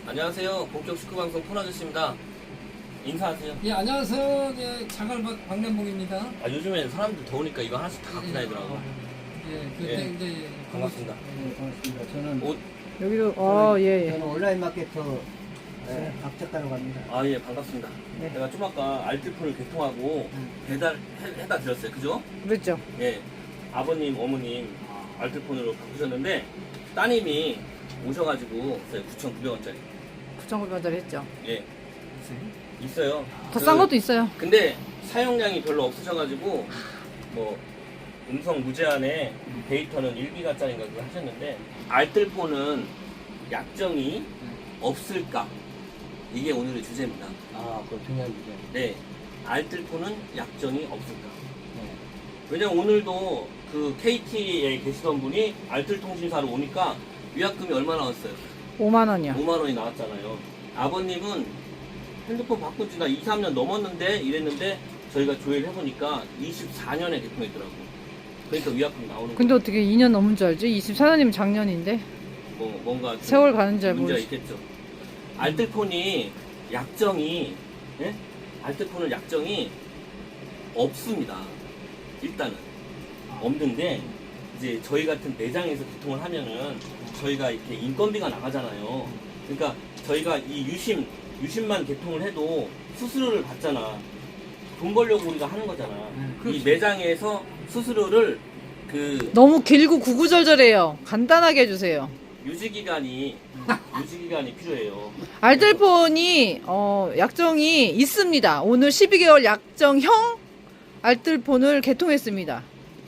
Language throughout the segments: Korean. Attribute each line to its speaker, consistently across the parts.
Speaker 1: 안녕하세요. 본격 축구방송 폰아저씨입니다. 인사하세요.
Speaker 2: 예, 안녕하세요. 예, 자갈 박남봉입니다.
Speaker 1: 요즘엔 사람들 더우니까 이거 하나씩 다 갖고 다니더라고.
Speaker 2: 예, 그때
Speaker 1: 예,
Speaker 2: 이제
Speaker 1: 반갑습니다.
Speaker 3: 네, 반갑습니다. 저는
Speaker 1: 옷,
Speaker 4: 여기도 예.
Speaker 3: 저는 온라인 마케터 박 작가로 갑니다.
Speaker 1: 예, 반갑습니다.
Speaker 4: 네.
Speaker 1: 제가 좀 아까 알뜰폰을 개통하고 배달해다 드렸어요. 그죠?
Speaker 4: 그렇죠.
Speaker 1: 예. 아버님, 어머님 알뜰폰으로 바꾸셨는데 따님이 오셔가지고 9,900원짜리.
Speaker 4: 9,900원짜리 했죠.
Speaker 1: 예. 있어요.
Speaker 4: 더 싼 것도 있어요.
Speaker 1: 근데 사용량이 별로 없으셔가지고 뭐 음성 무제한에 데이터는 1기가짜리인가 그거 하셨는데 알뜰폰은 약정이 없을까? 이게 오늘의 주제입니다.
Speaker 3: 아, 그 중요한 주제.
Speaker 1: 네, 알뜰폰은 약정이 없을까?
Speaker 3: 네.
Speaker 1: 왜냐면 오늘도 그 KT에 계시던 분이 알뜰통신사로 오니까 위약금이 얼마 나왔어요?
Speaker 4: 5만 원이요.
Speaker 1: 5만 원이 나왔잖아요. 아버님은 핸드폰 바꾼 지가 2, 3년 넘었는데 이랬는데 저희가 조회를 해보니까 24년에 개통했더라고요. 그러니까 위약금 나오는
Speaker 4: 근데
Speaker 1: 거예요.
Speaker 4: 어떻게 2년 넘은 줄 알지? 24년이면 작년인데.
Speaker 1: 뭔가 좀
Speaker 4: 세월 가는 줄
Speaker 1: 문제가
Speaker 4: 모르지.
Speaker 1: 있겠죠. 알뜰폰이 약정이 알뜰폰은 약정이 없습니다. 일단은 없는데 이제 저희 같은 매장에서 개통을 하면은 저희가 이렇게 인건비가 나가잖아요. 그러니까 저희가 이 유심만 개통을 해도 수수료를 받잖아. 돈 벌려고 우리가 하는 거잖아. 이 매장에서 수수료를 그
Speaker 4: 너무 길고 구구절절해요. 간단하게 해주세요.
Speaker 1: 유지기간이 필요해요.
Speaker 4: 알뜰폰이 약정이 있습니다. 오늘 12개월 약정형 알뜰폰을 개통했습니다.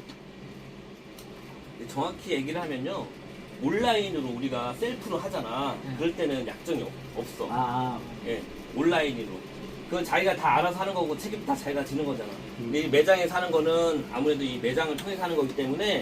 Speaker 1: 정확히 얘기를 하면요. 온라인으로 우리가 셀프로 하잖아. 그럴 때는 약정이 없어. 예, 온라인으로. 그건 자기가 다 알아서 하는 거고 책임 다 자기가 지는 거잖아. 근데 이 매장에 사는 거는 아무래도 이 매장을 통해서 하는 거기 때문에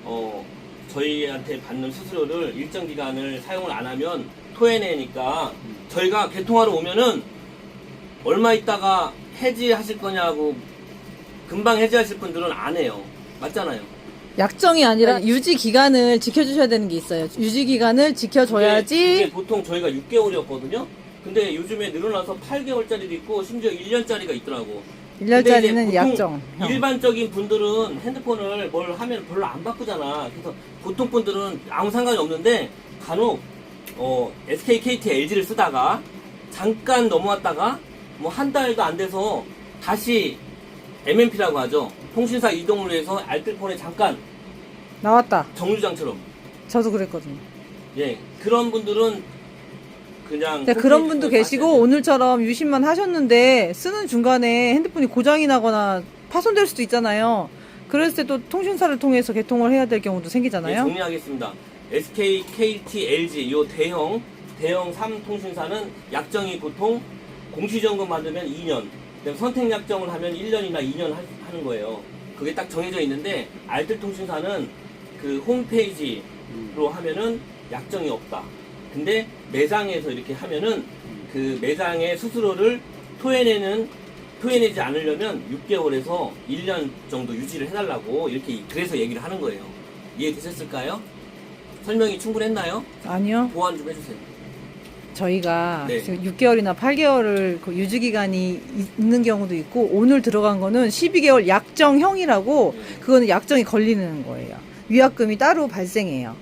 Speaker 1: 저희한테 받는 수수료를 일정 기간을 사용을 안 하면 토해내니까 저희가 개통하러 오면은 얼마 있다가 해지하실 거냐고 금방 해지하실 분들은 안 해요. 맞잖아요.
Speaker 4: 약정이 아니라 유지 기간을 지켜주셔야 되는 게 있어요. 유지 기간을 지켜줘야지.
Speaker 1: 그게 보통 저희가 6개월이었거든요. 근데 요즘에 늘어나서 8개월짜리도 있고 심지어 1년짜리가 있더라고.
Speaker 4: 1년짜리는 약정.
Speaker 1: 일반적인 분들은 핸드폰을 뭘 하면 별로 안 바꾸잖아. 그래서 보통 분들은 아무 상관이 없는데 간혹 SK, KT, LG를 쓰다가 잠깐 넘어왔다가 뭐 한 달도 안 돼서 다시 MNP라고 하죠. 통신사 이동을 위해서 알뜰폰에 잠깐
Speaker 4: 나왔다.
Speaker 1: 정류장처럼.
Speaker 4: 저도 그랬거든요.
Speaker 1: 예, 그런 분들은 그냥
Speaker 4: 네, 그런 분도 계시고 오늘처럼 유심만 하셨는데 쓰는 중간에 핸드폰이 고장이 나거나 파손될 수도 있잖아요. 그랬을 때 또 통신사를 통해서 개통을 해야 될 경우도
Speaker 1: 예,
Speaker 4: 생기잖아요.
Speaker 1: 정리하겠습니다. SK, KT, LG 요 대형 3통신사는 약정이 보통 공시지원금 받으면 2년, 그다음 선택약정을 하면 1년이나 2년 하는 거예요. 그게 딱 정해져 있는데 알뜰통신사는 그 홈페이지로 하면은 약정이 없다. 근데 매장에서 이렇게 하면은 그 매장의 수수료를 토해내지 않으려면 6개월에서 1년 정도 유지를 해달라고 이렇게 그래서 얘기를 하는 거예요. 이해되셨을까요? 설명이 충분했나요?
Speaker 4: 아니요.
Speaker 1: 보완 좀 해주세요.
Speaker 4: 저희가
Speaker 1: 네.
Speaker 4: 지금 6개월이나 8개월을 그 유지기간이 있는 경우도 있고 오늘 들어간 거는 12개월 약정형이라고 그거는 약정이 걸리는 거예요. 위약금이 따로 발생해요.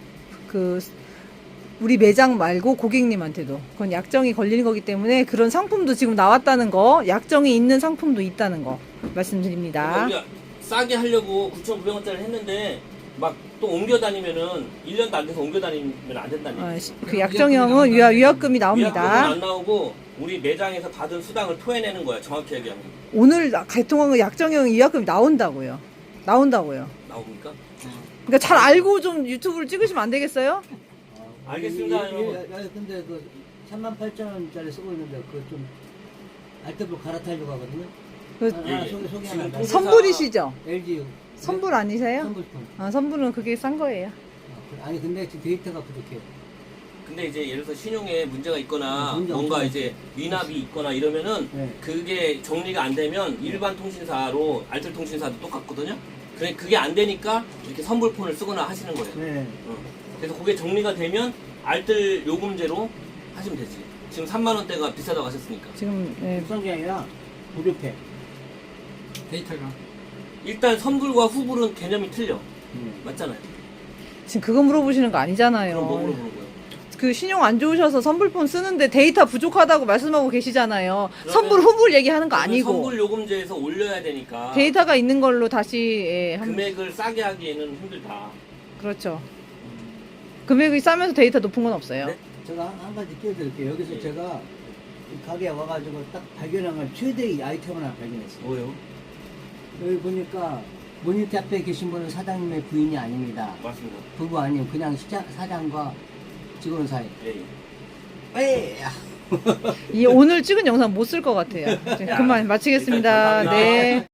Speaker 4: 우리 매장 말고 고객님한테도 그건 약정이 걸리는 거기 때문에 그런 상품도 지금 나왔다는 거, 약정이 있는 상품도 있다는 거 말씀드립니다.
Speaker 1: 우리가 싸게 하려고 9,900원짜리 했는데 막 또 옮겨 다니면은 1년도 안 돼서 옮겨 다니면 안 된다는 얘기.
Speaker 4: 그 약정형은 위약금이 나옵니다.
Speaker 1: 위약금은 안 나오고 우리 매장에서 받은 수당을 토해내는 거야. 정확히 얘기하면.
Speaker 4: 오늘 개통한 거 약정형 위약금이 나온다고요. 나옵니까? 그러니까 잘 알고 좀 유튜브를 찍으시면 안 되겠어요?
Speaker 1: 알겠습니다, 여러분.
Speaker 3: 근데 그 38,000원짜리 쓰고 있는데 그 좀 알뜰폰 갈아타려고 하거든요.
Speaker 1: 예, 예.
Speaker 3: 소개
Speaker 1: 지금
Speaker 3: 하나.
Speaker 1: 통신사-
Speaker 4: 선불이시죠?
Speaker 3: LG
Speaker 4: 선불 아니세요?
Speaker 3: 선불폰.
Speaker 4: 아, 선불은 그게 싼 거예요.
Speaker 3: 아니 근데 지금 데이터가 부족해요.
Speaker 1: 근데 이제 예를 들어서 신용에 문제가 있거나
Speaker 3: 문제
Speaker 1: 뭔가
Speaker 3: 없죠.
Speaker 1: 이제 미납이 있거나 이러면은
Speaker 3: 네.
Speaker 1: 그게 정리가 안 되면 일반 통신사로 알뜰통신사도 똑같거든요. 그게 안 되니까 이렇게 선불폰을 쓰거나 하시는 거예요.
Speaker 3: 네.
Speaker 1: 그래서 그게 정리가 되면 알뜰 요금제로 하시면 되지. 지금 3만 원대가 비싸다고 하셨으니까.
Speaker 4: 지금 예,
Speaker 3: 비싼 게 아니라 무료패.
Speaker 2: 데이터가.
Speaker 1: 일단 선불과 후불은 개념이 틀려. 맞잖아요.
Speaker 4: 지금 그거 물어보시는 거 아니잖아요.
Speaker 1: 그럼 뭐 물어보는 거예요?
Speaker 4: 그 신용 안 좋으셔서 선불폰 쓰는데 데이터 부족하다고 말씀하고 계시잖아요.
Speaker 1: 그러면-
Speaker 4: 선불 후불 얘기하는 거
Speaker 1: 그러면
Speaker 4: 아니고
Speaker 1: 선불 요금제에서 올려야 되니까
Speaker 4: 데이터가 있는 걸로 다시 예,
Speaker 1: 금액을 싸게 하기에는 힘들다.
Speaker 4: 그렇죠. 금액이 싸면서 데이터 높은 건 없어요.
Speaker 1: 네?
Speaker 3: 제가 한 가지 끼워드릴게요. 여기서
Speaker 1: 예.
Speaker 3: 제가 이 가게에 와가지고 딱 발견한 건 최대의 아이템을 하나 발견했어요.
Speaker 1: 뭐요?
Speaker 3: 여기 보니까 모니터 앞에 계신 분은 사장님의 부인이 아닙니다.
Speaker 1: 맞습니다.
Speaker 3: 부부 아니면 그냥 사장과 직원 사이.
Speaker 1: 예.
Speaker 3: 에이!
Speaker 4: 이 오늘 찍은 영상 못 쓸 것 같아요. 그만 마치겠습니다.
Speaker 1: 감사합니다.
Speaker 4: 네.